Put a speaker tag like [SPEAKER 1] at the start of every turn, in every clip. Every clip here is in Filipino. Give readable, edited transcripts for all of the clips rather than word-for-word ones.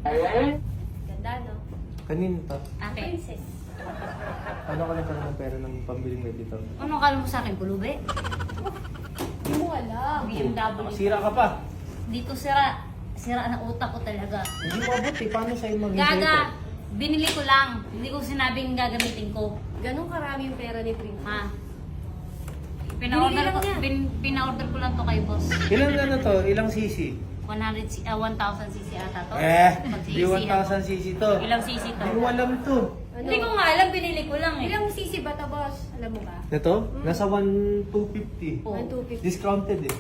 [SPEAKER 1] Ganda, no?
[SPEAKER 2] Kanino to?
[SPEAKER 3] Akin.
[SPEAKER 1] Princess.
[SPEAKER 2] Ano ka nagkaroon ng pera ng pambiling editor?
[SPEAKER 3] Ano kala mo sa akin, pulubi?
[SPEAKER 1] Hindi mo alam.
[SPEAKER 3] BMW.
[SPEAKER 2] Sira ka pa.
[SPEAKER 3] Dito sira. Sira na utak ko talaga.
[SPEAKER 2] Hindi mabuti. Paano sa'yo maging
[SPEAKER 3] Gaga, binili ko lang. Hindi ko sinabing gagamitin ko.
[SPEAKER 1] Ganun karami yung pera ni Princess.
[SPEAKER 3] Ha? Pina-order
[SPEAKER 1] Binili
[SPEAKER 3] ko,
[SPEAKER 1] lang niya.
[SPEAKER 3] pina-order ko lang to kay boss.
[SPEAKER 2] Ilang ano to? Ilang cc?
[SPEAKER 3] 1,000 cc ata to.
[SPEAKER 2] Di 1,000 cc to.
[SPEAKER 3] Ilang cc to?
[SPEAKER 2] Hindi mo alam to.
[SPEAKER 1] Ano?
[SPEAKER 3] Hindi ko nga alam, binili ko lang eh.
[SPEAKER 1] Ilang sisi ba to, boss? Alam mo ba?
[SPEAKER 2] Ito? Nasa 1,250.
[SPEAKER 3] Oh.
[SPEAKER 1] 1,250.
[SPEAKER 2] Discounted eh.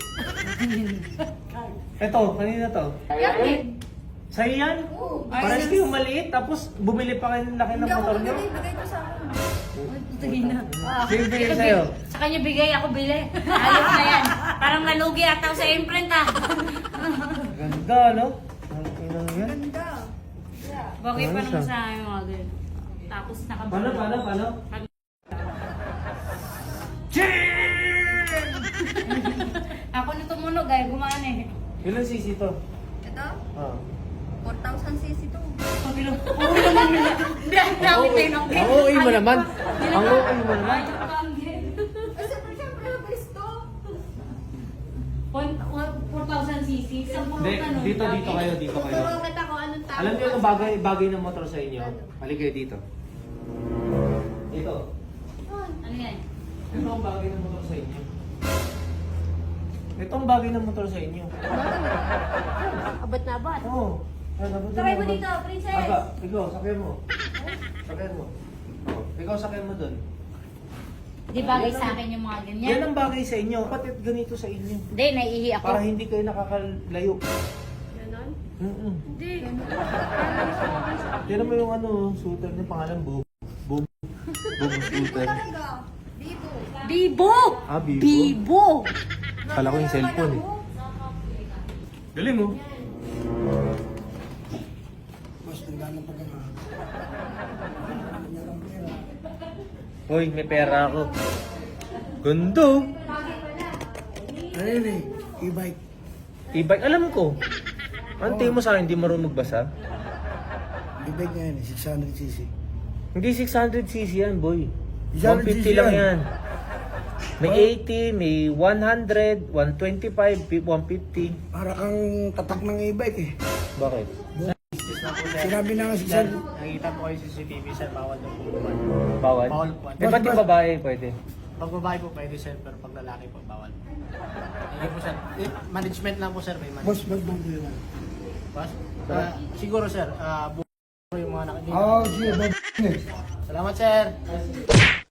[SPEAKER 2] Ito, kanina to.
[SPEAKER 1] Yan din.
[SPEAKER 2] Sa'yo yan?
[SPEAKER 1] Oo.
[SPEAKER 2] Parang kayo maliit, tapos bumili pa kayo ng laki ng
[SPEAKER 1] Hindi ako
[SPEAKER 2] motor nyo?
[SPEAKER 1] bigay ko sa akin.
[SPEAKER 3] Sige na.
[SPEAKER 2] Sino bigay sa'yo?
[SPEAKER 3] Sa kanya bigay, ako bili. Ayos na yan. Parang nalugi ata ako sa imprint ah.
[SPEAKER 2] Ganda, no? Ang inang yan.
[SPEAKER 1] Ganda. Yeah.
[SPEAKER 3] Bagay pa
[SPEAKER 2] Ano siya?
[SPEAKER 3] naman sa akin mga ganun. Tapos
[SPEAKER 2] Paano?
[SPEAKER 3] Ako na tumunog ay gumana eh.
[SPEAKER 2] Ilang cc to?
[SPEAKER 1] Ito?
[SPEAKER 2] Ah.
[SPEAKER 1] 4,000 cc to.
[SPEAKER 3] Hindi ang dami tayo ng
[SPEAKER 2] Ang OA mo naman. Ang OA mo naman.
[SPEAKER 1] Ay, siyempre, mabilis to.
[SPEAKER 3] 4,000 cc.
[SPEAKER 2] Hindi, dito kayo.
[SPEAKER 1] Tuturuan kita kung anong tawag.
[SPEAKER 2] Alam niyo yung bagay ng motor sa inyo? Halika kayo dito. Ito.
[SPEAKER 3] Ano yan?
[SPEAKER 2] Ito ang bagay ng motor sa inyo. Ito ang bagay ng motor sa inyo.
[SPEAKER 1] Abat na abat.
[SPEAKER 2] Oo.
[SPEAKER 1] Sakay mo dito, princess.
[SPEAKER 2] Aga, ikaw, sakay mo. Sakay mo. Oh, ikaw sakay mo dun.
[SPEAKER 3] Di bagay sa akin yung mga ganyan.
[SPEAKER 2] Yan ang bagay sa inyo. Ba't ganito sa inyo?
[SPEAKER 3] Hindi, naiihi ako.
[SPEAKER 2] Para hindi kayo nakakalayo.
[SPEAKER 1] Ganon?
[SPEAKER 2] Hindi.
[SPEAKER 1] Ganon.
[SPEAKER 2] Tira mo yung ano, shooter niya, pangalan Boom. Boom shooter.
[SPEAKER 1] Talaga. Bibo.
[SPEAKER 3] Bibo!
[SPEAKER 2] Ah, Bibo?
[SPEAKER 3] Bibo!
[SPEAKER 2] Kala ko yung cellphone eh. Galing mo. Hoy, may pera ako. Gundo.
[SPEAKER 4] Ano yun eh? E-bike.
[SPEAKER 2] E-bike, alam ko. Ang tingin mo sa akin, hindi marunong magbasa?
[SPEAKER 4] E-bike nga yun eh, 600cc.
[SPEAKER 2] Hindi 600cc yan, boy.
[SPEAKER 4] 600cc
[SPEAKER 2] 150 lang
[SPEAKER 4] yan.
[SPEAKER 2] yan. May 80, may 100, 125, 150.
[SPEAKER 4] Para kang tatak ng e-bike eh.
[SPEAKER 2] Bakit?
[SPEAKER 4] Sinabi na nga 600.
[SPEAKER 5] Nakita po kayo sa CCTV, sir, bawal daw po bumalik.
[SPEAKER 2] Bawal?
[SPEAKER 5] Bawal po.
[SPEAKER 2] Eh, ba't yung babae pwede?
[SPEAKER 5] Pag babae po pwede, sir, pero pag lalaki po, bawal. Hindi po, sir. Management lang po, sir, may management.
[SPEAKER 4] Boss, bang yun?
[SPEAKER 5] Boss? Siguro, sir, yung mga nakikita.
[SPEAKER 4] Oo, sige, boss.
[SPEAKER 5] Salamat, sir.